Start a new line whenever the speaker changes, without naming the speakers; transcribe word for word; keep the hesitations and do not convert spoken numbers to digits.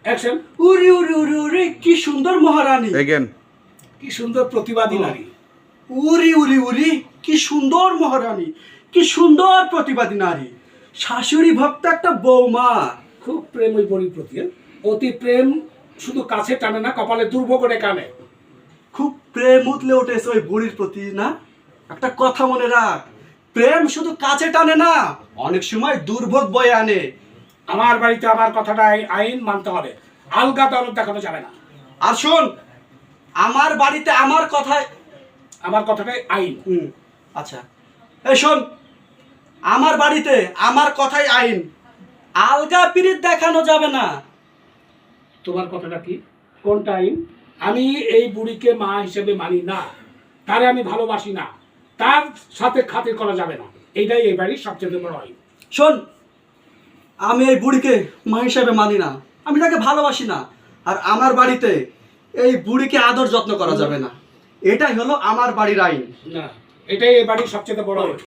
Action.
উরি উরি উরি উরি কি সুন্দর মহারানী,
again.
কি সুন্দর প্রতিবাদী নারী।
উরি উরি উরি কি সুন্দর মহারানী, কি সুন্দর প্রতিবাদী নারী, শাশুড়ি ভক্ত একটা বৌমা।
খুব প্রেম ওই বড়ির প্রতি। হ্যাঁ? অতি প্রেম শুধু কাছে টানে না, কপালে দুর্ভোগ করে কানে।
খুব প্রেম উতলে উঠেছে ওই বুড়ির প্রতি না। একটা কথা মনে রাখ, প্রেম শুধু কাছে টানে না, অনেক সময় দুর্ভোগ বয়ে আনে।
আমার বাড়িতে আমার কথাটা আইন মানতে হবে, আলগা দরদ দেখানো যাবে না।
আর শোন, আমার বাড়িতে আমার কথায়
আমার কথাটাই আইন।
হুম আচ্ছা, এই শোন, আমার বাড়িতে আমার কথাই আইন, আলগা পিরিত দেখানো যাবে না।
তোমার কথাটা কি? কোনটা আইন? আমি এই বুড়িকে মা হিসেবে মানি না, তারে আমি ভালোবাসি না, তার সাথে খাতির করা যাবে না। এইটাই এই বাড়ির সবচেয়ে বড় আইন।
শোন, আমি এই বুড়িকে মা হিসাবে মানি না, আমি তাকে ভালোবাসি না, আর আমার বাড়িতে এই বুড়িকে আদর যত্ন করা যাবে না। এটাই হলো আমার বাড়ির আইন।
না, এটাই এই বাড়ির সবচেয়ে বড় আইন।